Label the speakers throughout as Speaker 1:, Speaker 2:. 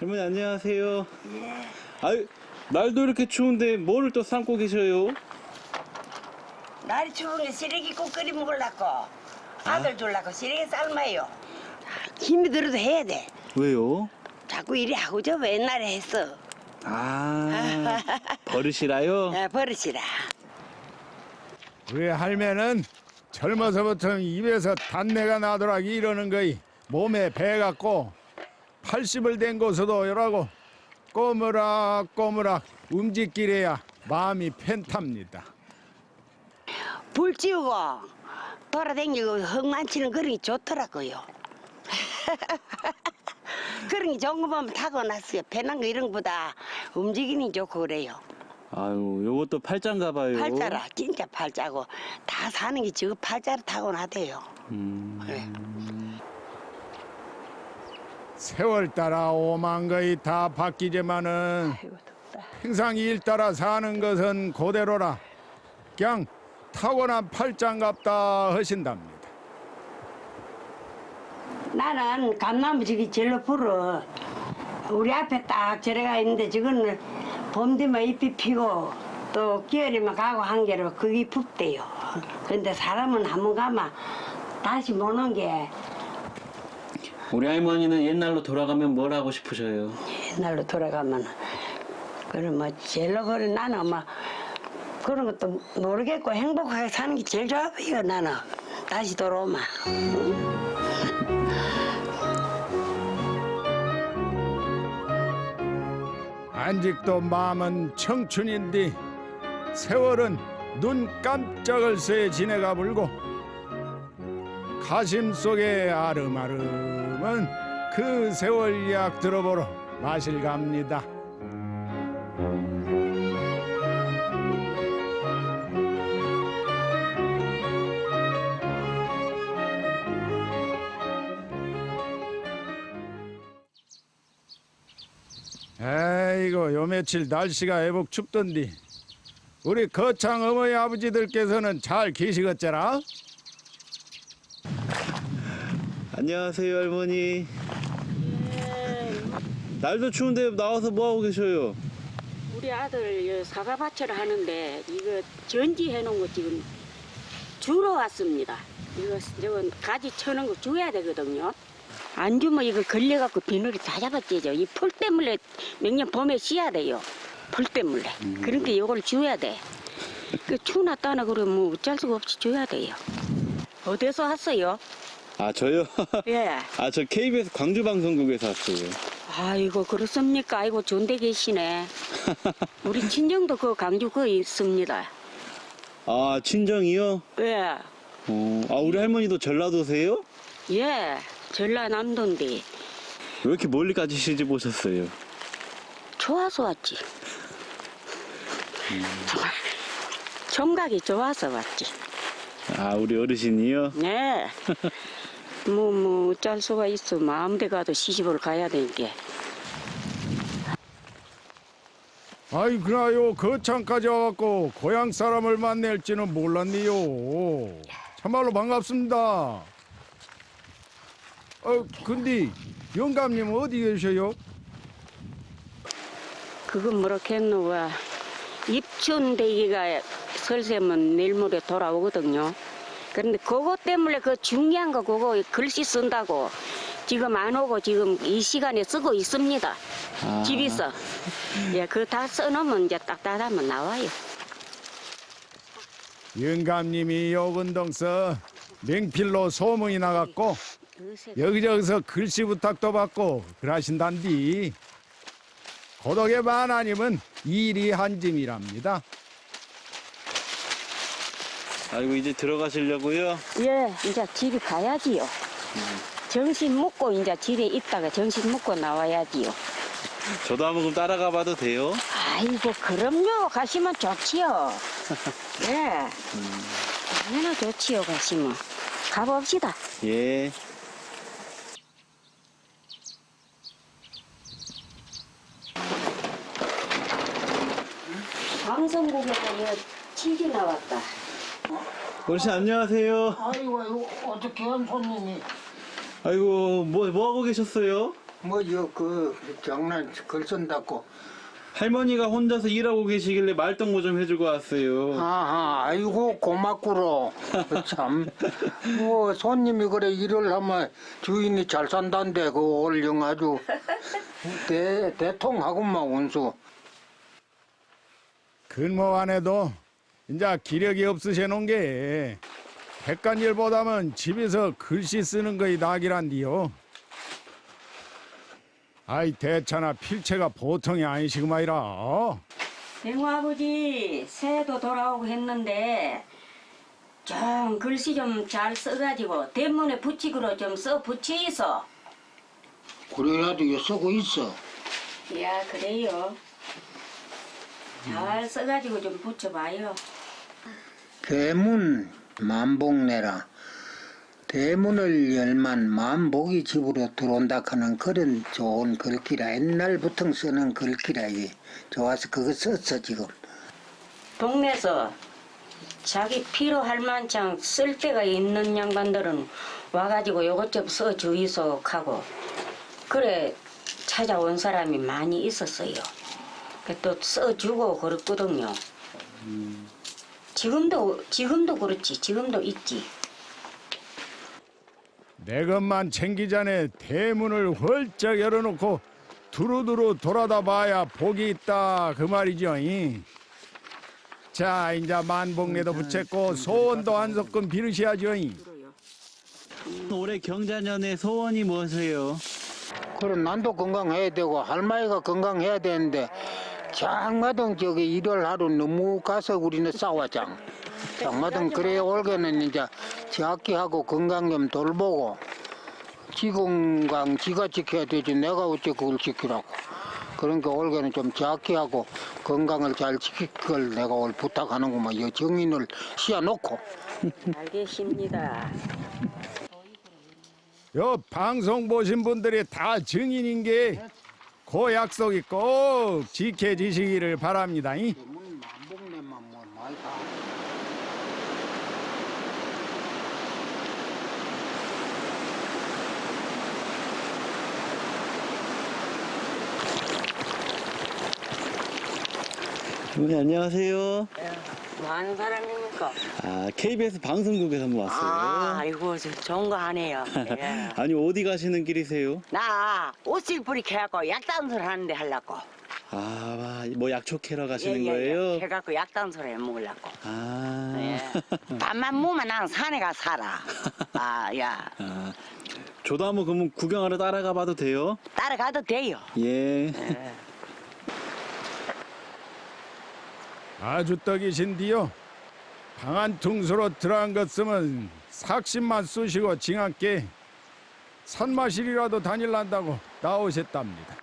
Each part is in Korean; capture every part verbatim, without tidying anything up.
Speaker 1: 할머니 안녕하세요.
Speaker 2: 예.
Speaker 1: 아유, 날도 이렇게 추운데 뭐를 또 삶고 계셔요?
Speaker 2: 날이 추운데 시래기국 끓여 먹으려고 아들 주려고 시래기 삶아요. 힘이 들어도 해야 돼.
Speaker 1: 왜요?
Speaker 2: 자꾸 이리 하고 저 옛날에 했어.
Speaker 1: 아, 버릇이라요?
Speaker 2: 야, 버릇이라.
Speaker 3: 우리 할매는 젊어서부터 입에서 단내가 나더라 이러는 거이 몸에 배갖고 팔십을 된 곳에도 이러고 꼬무락 꼬무락 움직이래야 마음이 편탑니다.
Speaker 2: 불 지우고 돌아다니고 흙만치는 그런 게 좋더라고요. 그런 게 좋은 거 보면 타고났어요. 편한 거 이런 거보다 움직이니 좋고 그래요.
Speaker 1: 아유, 요것도 팔자인가 봐요.
Speaker 2: 팔자라 진짜 팔자고 다 사는 게 지금 팔자로 타고나대요.
Speaker 1: 음...
Speaker 2: 그래.
Speaker 3: 세월 따라 오만 거이 다 바뀌지만은
Speaker 2: 아이고 덥다.
Speaker 3: 평상 일 따라 사는 것은 그대로라. 그냥 타고난 팔자인갑다 하신답니다.
Speaker 2: 나는 감나무 저기 절로 불어. 우리 앞에 딱 저래가 있는데 저거는 봄 되면 잎이 피고 또 겨울이면 가고 한 개로 그게 붓대요. 근데 사람은 한 번 가면 다시 못 오는 게
Speaker 1: 우리 할머니는 옛날로 돌아가면 뭘 하고 싶으셔요?
Speaker 2: 옛날로 돌아가면 그럼 뭐 제일로 그래 나는 뭐 그런 것도 모르겠고 행복하게 사는 게 제일 좋아 보여 나는 다시 돌아오면.
Speaker 3: 아직도 마음은 청춘인데 세월은 눈 깜짝을 새에 지내가 불고 가심 속에 아름아름은 그 세월 이야기 들어보러 마실 갑니다. 에이고 요 며칠 날씨가 애복 춥던디 우리 거창 어머니 아버지들께서는 잘 계시겠더라?
Speaker 1: 안녕하세요, 할머니. 날도 추운데 나와서 뭐 하고 계셔요?
Speaker 4: 우리 아들 사과밭을 하는데 이거 전지해 놓은 거 지금 주러 왔습니다. 이거 저건 가지 쳐놓은 거 줘야 되거든요. 안 주면 이거 걸려갖고 비늘이 다 잡아지죠. 이 풀 때문에 매년 봄에 씨야 돼요. 풀 때문에.
Speaker 1: 음.
Speaker 4: 그러니까 이걸 줘야 돼. 그 추놨다나 그러면 뭐 어쩔 수가 없이 줘야 돼요. 어디서 왔어요?
Speaker 1: 아, 저요?
Speaker 4: 예.
Speaker 1: 아, 저 케이비에스 광주방송국에서 왔어요.
Speaker 4: 아이고 그렇습니까? 아이고 좋은데 계시네. 우리 친정도 그 광주 그 있습니다.
Speaker 1: 아, 친정이요?
Speaker 4: 예.
Speaker 1: 어, 아, 우리 할머니도 전라도세요?
Speaker 4: 예. 전라남도인데
Speaker 1: 왜 이렇게 멀리까지 시집 오셨어요?
Speaker 4: 좋아서 왔지. 음. 청각이 좋아서 왔지.
Speaker 1: 아, 우리 어르신이요?
Speaker 4: 네. 뭐, 뭐, 어쩔 수가 있어. 마음대 가도 시집을 가야 되니까.
Speaker 3: 아이 그나요 거창까지 와갖고 고향 사람을 만날지는 몰랐네요. 참말로 반갑습니다. 어 근데 영감님 어디 계셔요?
Speaker 4: 그건 뭐라겠노, 와. 입춘대기가 설세면 내일 모레 돌아오거든요. 그런데 그거 때문에 그 중요한 거 그거 글씨 쓴다고 지금 안 오고 지금 이 시간에 쓰고 있습니다.
Speaker 1: 아.
Speaker 4: 집에서. 예, 그거 다 써놓으면 이제 딱딱하면 나와요.
Speaker 3: 영감님이 요근동서 맹필로 소문이 나갔고 여기저기서 글씨 부탁도 받고 그러신단디 고독의 만하님은 일이 한 짐이랍니다.
Speaker 1: 아이고, 이제 들어가시려고요?
Speaker 4: 예, 이제 집에 가야지요. 정신 먹고 이제 집에 있다가 정신 먹고 나와야지요.
Speaker 1: 저도 한번 그럼 따라가 봐도 돼요?
Speaker 4: 아이고, 그럼요. 가시면 좋지요. 예. 얼마나 좋지요, 가시면. 가봅시다.
Speaker 1: 예.
Speaker 4: 방송국에서 치즈 나왔다.
Speaker 1: 어르신 안녕하세요.
Speaker 5: 아이고, 아이고 어떻게 한 손님이
Speaker 1: 아이고, 뭐, 뭐 하고 계셨어요?
Speaker 5: 뭐그 장난 글 쓴다고.
Speaker 1: 할머니가 혼자서 일하고 계시길래 말동무 좀 해주고 왔어요.
Speaker 5: 아하, 아이고 고맙구로. 참, 뭐 손님이 그래 일을 하면 주인이 잘 산다는데 그 올영 아주 대 대통하고만 운수.
Speaker 3: 근무 안 해도 이제 기력이 없으셔 놓은 게 백간일보다는 집에서 글씨 쓰는 거이 낙이란디요. 아이 대차나 필체가 보통이 아니시구마이라.
Speaker 4: 대구 아버지 새해도 돌아오고 했는데 좀 글씨 좀 잘 써가지고 대문에 붙이기로 좀 써 붙이소.
Speaker 5: 그래야도 이거 쓰고 있어.
Speaker 4: 야 그래요. 잘 써가지고 좀 붙여봐요.
Speaker 5: 대문 만복내라. 대문을 열만 만복이 집으로 들어온다 하는 그런 좋은 글귀라. 옛날부터 쓰는 글귀라. 이게 좋아서 그거 썼어 지금.
Speaker 4: 동네에서 자기 필요할 만큼 쓸 데가 있는 양반들은 와가지고 요것 좀 써주이소 하고 그래 찾아온 사람이 많이 있었어요. 또 써주고 그랬거든요. 지금도 지금도 그렇지. 지금도 있지.
Speaker 3: 내 것만 챙기자네 대문을 활짝 열어놓고 두루두루 돌아다 봐야 복이 있다 그 말이죠. 이. 자 이제 만복내도 붙였고 소원도 한 소끔 빌으셔야죠. 이.
Speaker 1: 올해 경자년의 소원이 무엇이에요?
Speaker 5: 그럼 난도 건강해야 되고 할머니가 건강해야 되는데 장마등 저기 일월 하루 너무 가서 우리는 싸웠장. 장마등 그래 올해는 이제 지학기하고 건강 좀 돌보고 지 건강 지가 지켜야 되지 내가 어째 그걸 지키라고. 그러니까 올해는 좀 지학기하고 건강을 잘 지킬 걸 내가 올 부탁하는구만. 이 정인을 씌워놓고.
Speaker 4: 알겠습니다.
Speaker 3: 요 방송 보신 분들이 다 증인인 게 그 약속이 꼭 지켜지시기를 바랍니다. 이.
Speaker 5: 만복내만 뭐 말다.
Speaker 1: 네, 안녕하세요.
Speaker 6: 뭐 하는 사람입니까?
Speaker 1: 아, 케이비에스 방송국에서 한번 왔어요.
Speaker 6: 아, 아이고, 저 좋은 거 하네요. 예.
Speaker 1: 아니, 어디 가시는 길이세요?
Speaker 6: 나 옷을 뿌리켜갖고 약단술 하는데 하려고.
Speaker 1: 아, 뭐 약초 캐러 가시는
Speaker 6: 예, 예,
Speaker 1: 거예요?
Speaker 6: 예. 해갖고 약단술 해 먹으려고.
Speaker 1: 아.
Speaker 6: 예. 밥만 먹으면 나는 산에 가 살아. 아, 야.
Speaker 1: 아, 저도 한번 그러면 구경하러 따라가 봐도 돼요?
Speaker 6: 따라가도 돼요.
Speaker 1: 예.
Speaker 6: 예.
Speaker 3: 아주 떡이신디요. 방한 퉁수로 들어간 것 쓰면 삭신만 쑤시고 징한께 산마실이라도 다닐란다고 나오셨답니다.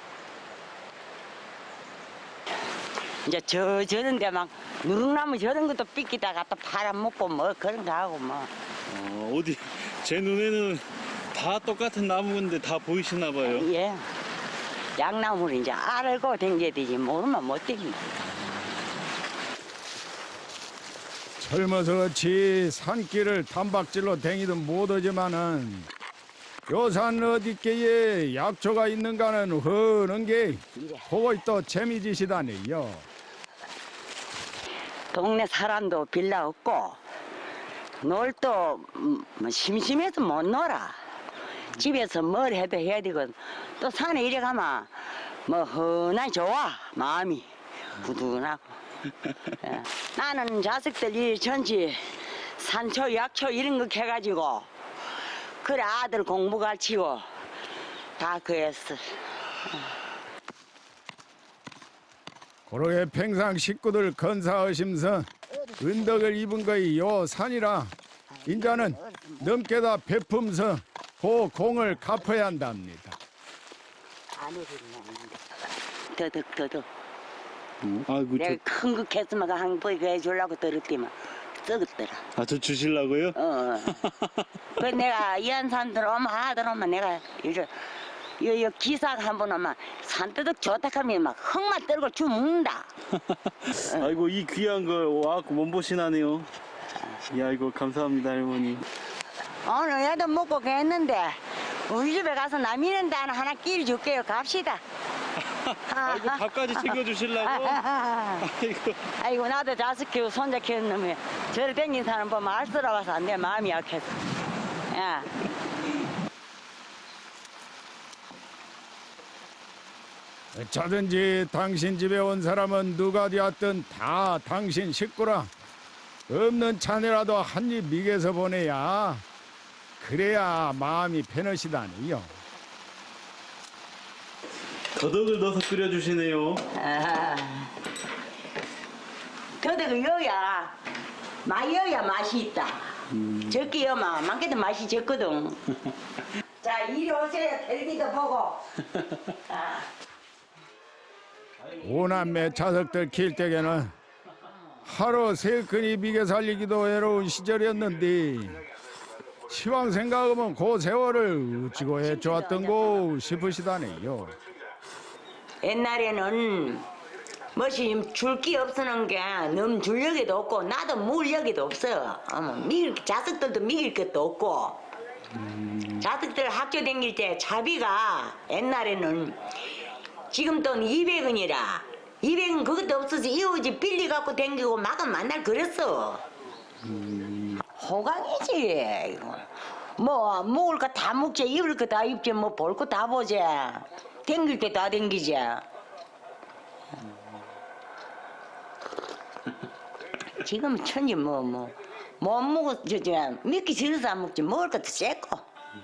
Speaker 6: 이제 저, 저런데 막 누룩나무 저런 것도 삐끼다가 또 팔아먹고 뭐 그런 거 하고 뭐.
Speaker 1: 어, 어디, 제 눈에는 다 똑같은 나무인데 다 보이시나 봐요.
Speaker 6: 예. 양나무를 이제 알고 댕겨야 되지 모르면 못 댕긴다.
Speaker 3: 젊어서 그렇지 산길을 단박질로 댕이든 못하지만은 요산 어디께에 약초가 있는가는 흐는 게 그거 또 재미지시다네요.
Speaker 6: 동네 사람도 빌라 없고 놀도 음, 뭐 심심해서 못 놀아. 집에서 뭘 해도 해야 되고 또 산에 이래 가면 뭐 흔하게 좋아 마음이 부둥하고. 예. 나는 자식들 일 전지 산초 약초 이런 거 해가지고 그래 아들 공부 가르치고 다 그랬어.
Speaker 3: 그러게 평상 식구들 건사하심서 은덕을 입은 거이 요 산이라 인자는 넘게다 베품서 그 공을 갚아야 한답니다.
Speaker 6: 아내들이 먹는데 더덕 더덕
Speaker 1: 어? 아이고, 저,
Speaker 6: 내가 큰 거 캐스마가 한 번 해주려고 들었더만 썩었더라.
Speaker 1: 아, 저 주실라고요?
Speaker 6: 어. 그 내가 연산들 오면 아들 오면 내가 이제 요, 요 기사가 한 번 오면 산뜨덕 좋다 하면 막 흙만 떨고 주먹는다.
Speaker 1: 아이고, 이 귀한 걸 와갖고 몸보신하네요. 야, 이거 감사합니다, 할머니.
Speaker 6: 오늘 애도 먹고 했는데 우리 집에 가서 남이는 단 하나 끼리 줄게요. 갑시다.
Speaker 1: 아이고 밥까지 챙겨주시려고? 아이고.
Speaker 6: 아이고 나도 자식 키우고 손자 키우는 놈이 저를 댕긴 사람 보면 알쓰러워서 안 돼. 마음이 약해서. 야.
Speaker 3: 어쩌든지 당신 집에 온 사람은 누가 되었든 다 당신 식구라. 없는 차내라도 한 입 미개서 보내야 그래야 마음이 편하시다니요.
Speaker 1: 더덕을 넣어서 끓여주시네요.
Speaker 6: 아, 더덕을 여야 많이 여야 맛이 있다.
Speaker 1: 음.
Speaker 6: 적게 여면 많게도 맛이 적거든. 자 이리 오세요. 텔레비도 보고. 아.
Speaker 3: 오남매 자석들 킬 때에는 하루 세 끈이 비게 살리기도 외로운 시절이었는데 시황 생각하면 그 세월을 어찌고 해좋았던고 싶으시다네요.
Speaker 6: 옛날에는 뭐시 줄기 없으는 게 너무 줄력이도 없고 나도 물력이도 없어. 어머, 미길, 자식들도 미길 것도 없고. 자식들 학교 다닐 때 차비가 옛날에는 지금 돈 이백 원이라 이백 원 그것도 없어서 이웃집 빌리 갖고 댕기고 막은 만날 그랬어. 호강이지. 이거. 뭐 먹을 거 다 먹지 입을 거 다 입지 뭐 볼 거 다 보지. 댕길 때 다 댕기지. 지금 천지 뭐 뭐 못 먹어 저저 믿기 싫어서 안 먹지 먹을 것도 쬐고.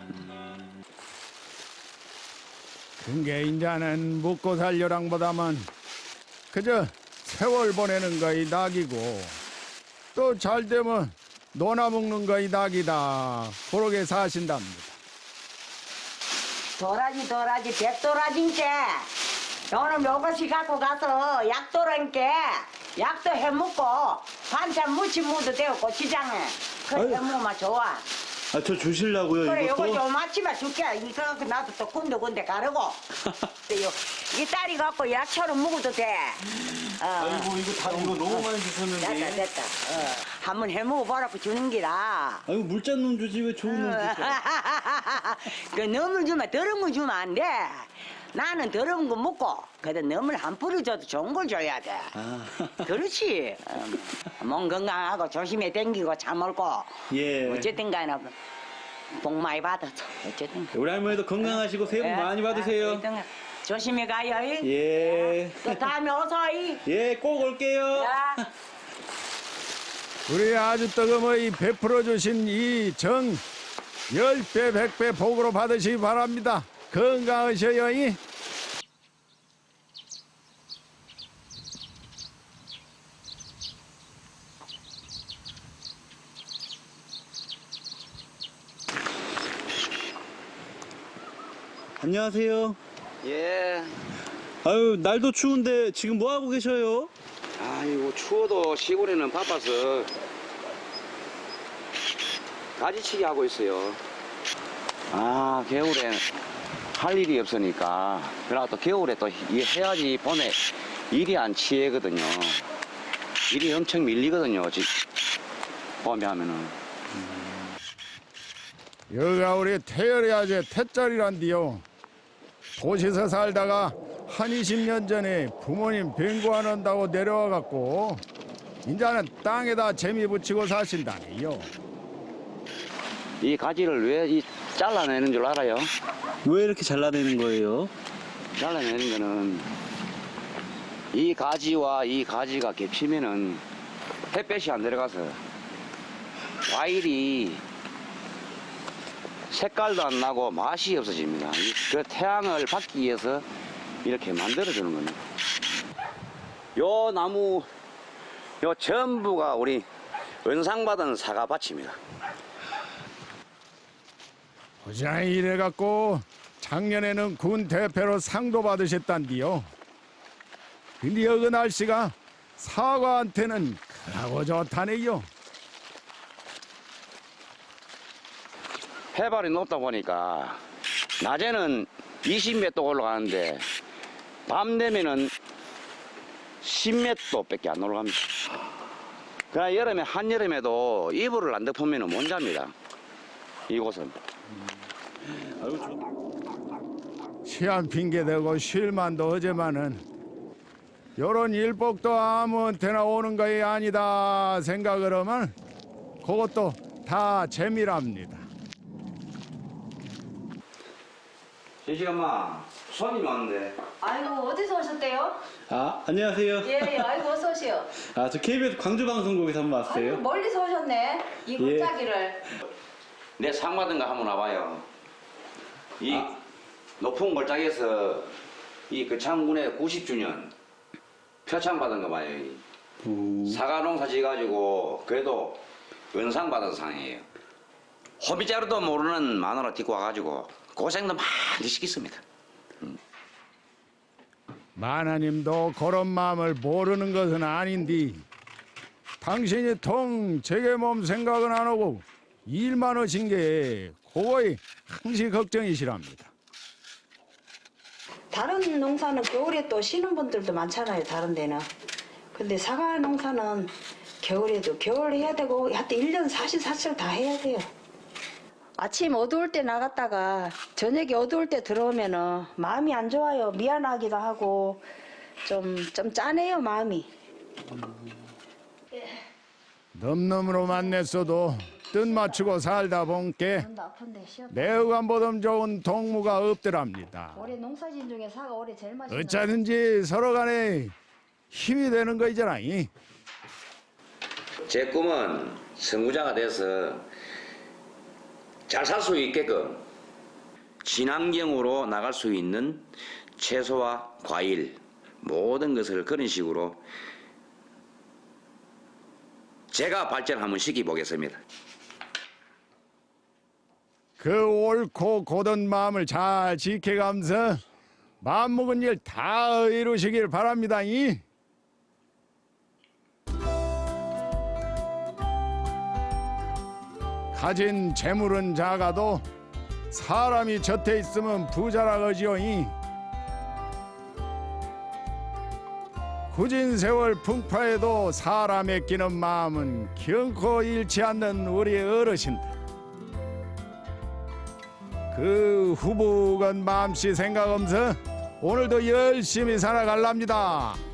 Speaker 3: 그게 이제는 먹고 살려랑보다만 그저 세월 보내는 거이 낙이고 또 잘 되면 노나 먹는 거이 낙이다. 그러게 사신답니다.
Speaker 6: 도라지 도라지 백도라지인게 오늘 요것이 갖고 가서 약도란게 약도 해먹고 반찬 무치 무도 되고 고추장에 그래
Speaker 1: 아유.
Speaker 6: 해먹으면 좋아.
Speaker 1: 아, 저 주실라고요,
Speaker 6: 그래 요거
Speaker 1: 이것도?
Speaker 6: 좀 아침에 줄게. 이거 나도 또 군데군데 가르고. 요, 이 딸이 갖고 약처럼 먹어도 돼. 어.
Speaker 1: 아이고, 이거 다, 이거 너무 많이
Speaker 6: 됐다
Speaker 1: 주셨는데.
Speaker 6: 됐다. 어. 한번 해먹어보라고 주는 기라.
Speaker 1: 아이고, 물짠 놈 주지, 왜 좋은 놈 주세요?
Speaker 6: 그 너물 주면 더러운 거 주면 안 돼. 나는 더러운 거 먹고 그래도 너물 한 뿌려줘도 좋은 걸 줘야 돼.
Speaker 1: 아.
Speaker 6: 그렇지. 어, 몸 건강하고 조심히 댕기고 잘 먹고.
Speaker 1: 예.
Speaker 6: 어쨌든 간에 복 많이 받아서 어쨌든.
Speaker 1: 우리 할머니도 건강하시고 새해 복
Speaker 6: 예.
Speaker 1: 많이 받으세요.
Speaker 6: 아, 어쨌든 조심히 가요. 이.
Speaker 1: 예.
Speaker 6: 또 다음에 어서 이.
Speaker 1: 예, 꼭 올게요.
Speaker 6: 야.
Speaker 3: 우리 아주 뜨거머이 베풀어 주신 이 정 열 배 백 배 복으로 받으시기 바랍니다. 건강하셔요. 이.
Speaker 1: 안녕하세요.
Speaker 7: 예.
Speaker 1: 아유, 날도 추운데 지금 뭐 하고 계셔요?
Speaker 7: 아이고 추워도 시골에는 바빠서 가지치기 하고 있어요. 아 겨울에 할 일이 없으니까 그러나 또 겨울에 또 이- 해야지 봄에 일이 안 치거든요. 일이 엄청 밀리거든요. 지- 봄에 하면은.
Speaker 3: 여가 우리 태열의 아재 태짤이란디요. 도시에서 살다가 한 이십 년 전에 부모님 병고 안 한다고 내려와 갖고 이제는 땅에다 재미 붙이고 사신다니요.
Speaker 7: 이 가지를 왜 이 잘라내는 줄 알아요?
Speaker 1: 왜 이렇게 잘라내는 거예요?
Speaker 7: 잘라내는 거는 이 가지와 이 가지가 겹치면은 햇볕이 안 들어가서 과일이 색깔도 안 나고 맛이 없어집니다. 이- 그 태양을 받기 위해서 이렇게 만들어주는 겁니다. 요 나무, 요 전부가 우리 은상받은 사과밭입니다.
Speaker 3: 보자 이래 갖고 작년에는 군 대표로 상도 받으셨단디요. 근데 여기 날씨가 사과한테는 크고 좋다네요.
Speaker 7: 해발이 높다 보니까 낮에는 이십 미터 올라가는데 밤 되면은 십 미터밖에 안 올라갑니다. 그러나 여름에 한여름에도 이불을 안 덮으면 못 잡니다. 이곳은
Speaker 1: 아이고 저...
Speaker 3: 시한 핑계 대고 쉴만도 하지만은 요런 일복도 아무한테나 오는 거이 아니다 생각을 하면 그것도 다 재미랍니다.
Speaker 7: 시시엄마 손님 왔는데.
Speaker 8: 아이고 어디서 오셨대요?
Speaker 1: 아 안녕하세요.
Speaker 8: 예, 예, 아이고 어서 오세요.
Speaker 1: 아 저 케이비에스 광주방송국에서 한번
Speaker 8: 아이고
Speaker 1: 왔어요.
Speaker 8: 멀리서 오셨네. 이
Speaker 1: 예.
Speaker 8: 골짜기를.
Speaker 7: 내 상 받은 거 한번 와봐요. 이 높은 골짜기에서 이 거창군의 구십 주년 표창 받은 거 봐요. 이.
Speaker 1: 오.
Speaker 7: 사과 농사 지어가지고 그래도 은상 받은 상이에요. 호미자루도 모르는 마누라 딛고 와가지고 고생도 많이 시켰습니다.
Speaker 3: 마나님도 그런 마음을 모르는 것은 아닌디 당신이 통 제게 몸 생각은 안 하고 일만 하신 게 그거이 항시 걱정이시랍니다.
Speaker 8: 다른 농사는 겨울에 또 쉬는 분들도 많잖아요. 다른 데는. 근데 사과 농사는 겨울에도 겨울 해야 되고 하여튼 일 년 사십사 철 다 해야 돼요. 아침 어두울 때 나갔다가 저녁에 어두울 때 들어오면은 마음이 안 좋아요. 미안하기도 하고 좀, 좀 짠해요 마음이.
Speaker 3: 넘넘으로 만났어도 뜻 맞추고 살다 본게
Speaker 8: 눈도 아픈데 쉬었다.
Speaker 3: 내어간보다 좋은 동무가 없더랍니다.
Speaker 8: 올해 농사진 중에 사과 올해 제일 맛있는.
Speaker 3: 어쩌든지 서로 간에 힘이 되는 거 있잖아. 이.
Speaker 7: 제 꿈은 선구자가 돼서 잘 살 수 있게끔 친환경으로 나갈 수 있는 채소와 과일 모든 것을 그런 식으로 제가 발전 한번 시켜보겠습니다.
Speaker 3: 그 옳고 고든 마음을 잘 지켜가면서 마음먹은 일 다 이루시길 바랍니다. 이. 가진 재물은 작아도 사람이 곁에 있으면 부자라 그러지요. 이. 굳은 세월 풍파에도 사람의 끼는 마음은 결코 잃지 않는 우리 어르신들. 그 후부건 마음씨 생각하면서 오늘도 열심히 살아갈랍니다.